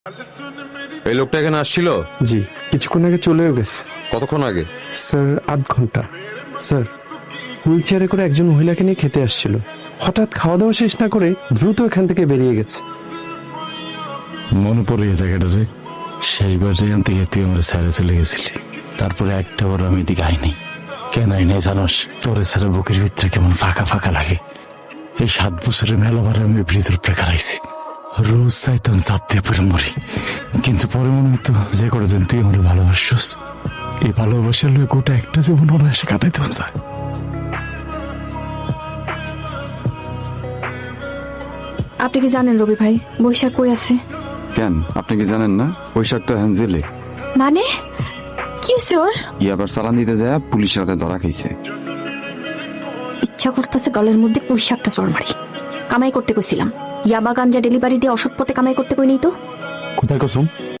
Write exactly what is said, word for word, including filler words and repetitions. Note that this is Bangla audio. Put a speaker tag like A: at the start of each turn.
A: এই লোকটা এখানে আসছিল?
B: জি, কিছুক্ষণ আগে চলেও গেছে।
A: কতক্ষণ আগে?
B: স্যার আধ ঘন্টা। স্যার, হুইল চেয়ারে করে একজন মহিলাকে নিয়ে খেতে আসছিল, হঠাৎ খাওয়া দাওয়া শেষ না করে দ্রুত এখান থেকে বেরিয়ে গেছে।
C: মনে পড়ে গেছে জায়গাটারে। সেইবার যেখান থেকে তুই আমার স্যারে চলে গেছিলি, তারপরে একটা বার আমি এদিকে আইনি। কেন আইনি জানোস? তোরে স্যারের বুকের ভিতরে কেমন ফাঁকা ফাঁকা লাগে। এই সাত বছরের মেলাবার আমি ব্রিজের উপরে খারাইছি, রোজ চাইতাম চাপ দিয়ে পরে মরি, কিন্তু পরে মনে হতো যে করে দিন তুই আমার ভালোবাসছস, এই ভালোবাসার লোক গোটা একটা জীবন অনায়াসে কাটাইতে চায়।
D: আপনি কি জানেন রবি ভাই বৈশাখ কই আছে?
E: কেন, আপনি কি জানেন না? বৈশাখ তো এখন জেলে।
D: মানে কি হয়েছে ওর?
E: ই আবার চালান দিতে যায় পুলিশের হাতে ধরা খাইছে।
D: ইচ্ছা করতেছে গলের মধ্যে বৈশাখটা চড় মারি। কামাই করতে কইছিলাম, ইয়াবা গাঞ্জা ডেলিভারি দিয়ে অসৎ পথে কামাই করতে কই নেই তো।
C: কোথায় কসম?